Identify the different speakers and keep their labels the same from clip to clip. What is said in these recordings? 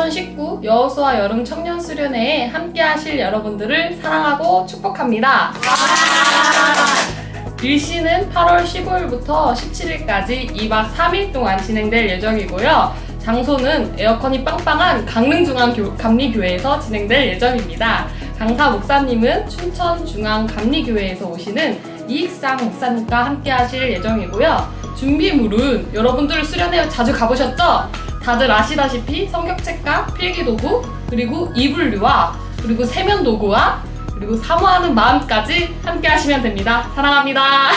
Speaker 1: 2019 여호수아 여름 청년 수련회에 함께 하실 여러분들을 사랑하고 축복합니다. 일시는 8월 15일부터 17일까지 2박 3일 동안 진행될 예정이고요. 장소는 에어컨이 빵빵한 강릉중앙감리교회에서 진행될 예정입니다. 강사 목사님은 춘천중앙감리교회에서 오시는 이익상 목사님과 함께 하실 예정이고요. 준비물은 여러분들 수련회 자주 가보셨죠? 다들 아시다시피 성경책과 필기도구, 그리고 이불류와 그리고 세면도구와 그리고 사모하는 마음까지 함께 하시면 됩니다. 사랑합니다.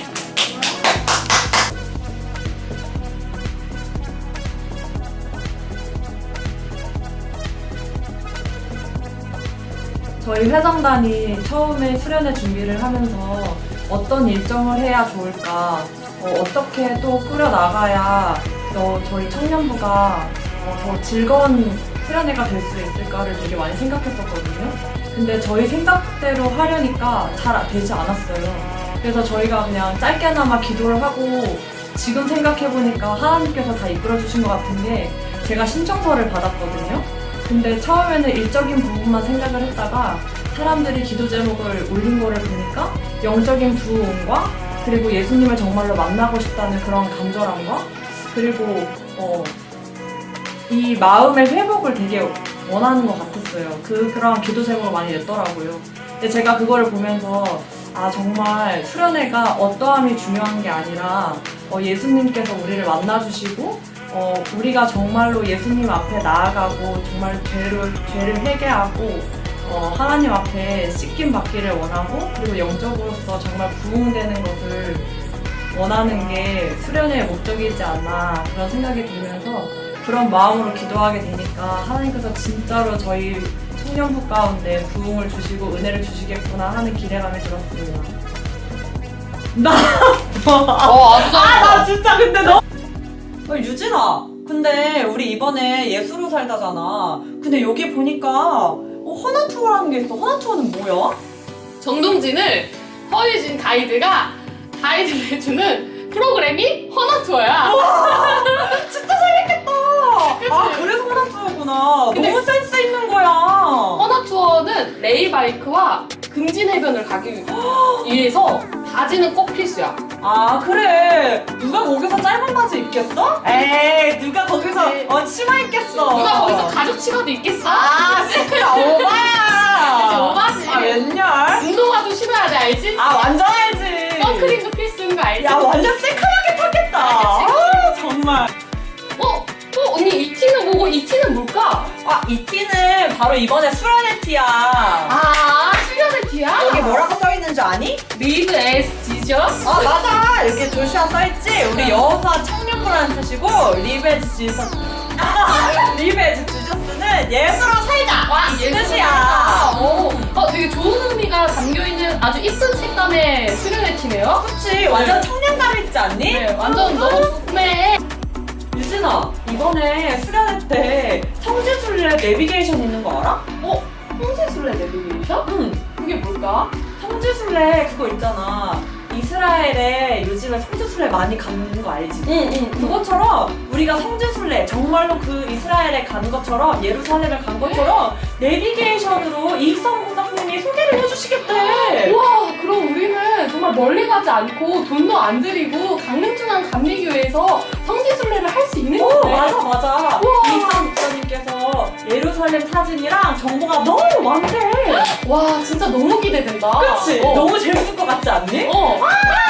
Speaker 2: 저희 회장단이 처음에 수련회 준비를 하면서 어떤 일정을 해야 좋을까, 어떻게 또 꾸려나가야 저희 청년부가 더 즐거운 수련회가 될 수 있을까를 되게 많이 생각했었거든요. 근데 저희 생각대로 하려니까 잘 되지 않았어요. 그래서 저희가 그냥 짧게나마 기도를 하고 지금 생각해보니까 하나님께서 다 이끌어주신 것 같은 게 제가 신청서를 받았거든요. 근데 처음에는 일적인 부분만 생각을 했다가 사람들이 기도 제목을 올린 거를 보니까 영적인 부흥과 그리고 예수님을 정말로 만나고 싶다는 그런 간절함과 그리고 이 마음의 회복을 되게 원하는 것 같았어요. 그런 기도 제목을 많이 냈더라고요. 근데 제가 그거를 보면서 정말 수련회가 어떠함이 중요한 게 아니라 예수님께서 우리를 만나주시고 우리가 정말로 예수님 앞에 나아가고 정말 죄를 회개하고 하나님 앞에 씻김 받기를 원하고 그리고 영적으로서 정말 부흥되는 것을 원하는 게 수련회의 목적이지 않나 그런 생각이 들면서 그런 마음으로 기도하게 되니까 하나님께서 진짜로 저희 청년부 가운데 부흥을 주시고 은혜를 주시겠구나 하는 기대감이 들었습니다.
Speaker 3: 나 진짜 근데 유진아, 근데 우리 이번에 예수로 살다잖아. 근데 여기 보니까 허나투어라는 게 있어. 허나투어는 뭐야?
Speaker 1: 정동진을 허유진 가이드가 가이드를 해주는 프로그램이 허나투어야.
Speaker 3: 진짜 재밌겠다. 그래서 허나투어구나.
Speaker 1: 근데-
Speaker 3: 너무 센스 있는 거야.
Speaker 1: 허나투어는 레일바이크와 금진해변을 가기 위해서 바지는 꼭 필수야.
Speaker 3: 그래. 누가 거기서 짧은 바지 입겠어? 에이, 누가 거기서
Speaker 1: 네.
Speaker 3: 치마 입겠어.
Speaker 1: 누가 거기서 가죽 치마도 입겠어?
Speaker 3: 진짜 오바야.
Speaker 1: 그치, 오바지.
Speaker 3: 웬열?
Speaker 1: 운동화도 신어야 돼, 알지?
Speaker 3: 완전 알지.
Speaker 1: 선크림도 필수인 거 알지?
Speaker 3: 야, 완전 새카맣게 탔겠다.
Speaker 1: 그치,
Speaker 3: 정말.
Speaker 1: 언니 이 티는 뭐고 이 티는 뭘까?
Speaker 3: 이 티는 바로 이번에 수련회 티야.
Speaker 1: 수련의 티야?
Speaker 3: 여기 뭐라고 써있는 줄 아니?
Speaker 1: Live as Jesus?
Speaker 3: 맞아. 이렇게 조슈아 써있지? 우리 여호수아 청년부라는 뜻이고 Live as Jesus. Live as Jesus는 예수로 살자. 이 뜻이야.
Speaker 1: 되게 좋은 의미가 담겨있는 아주 이쁜 색감의 수련의 티네요.
Speaker 3: 그치? 완전 청년감 있지 않니?
Speaker 1: 네, 완전 너무 궁금해.
Speaker 3: 유진아, 이번에 수련회 때 성지순례 내비게이션 있는 거 알아?
Speaker 1: 홍세술래 내비게이션?
Speaker 3: 응.
Speaker 1: 그게 뭘까?
Speaker 3: 성지순례 그거 있잖아. 이스라엘에 요즘에 성지순례 많이 가는 거 알지?
Speaker 1: 응.
Speaker 3: 그것처럼 우리가 성지순례 정말로 그 이스라엘에 간 것처럼 예루살렘에 간 것처럼 내비게이션으로 이익성 부장님이 소개를 해주시겠대.
Speaker 1: 우와, 그럼 우리는 정말 멀리 가지 않고 돈도 안 들이고 강릉중앙 감리교회에서 성지순례를 할 수 있는 거네.
Speaker 3: 맞아.
Speaker 1: 우와.
Speaker 3: 이익성 부장님께서 예루살렘 사진이랑 정보가 너무 많대.
Speaker 1: 와, 진짜 너무 기대된다.
Speaker 3: 그치? 너무 재밌을 것 같지 않니?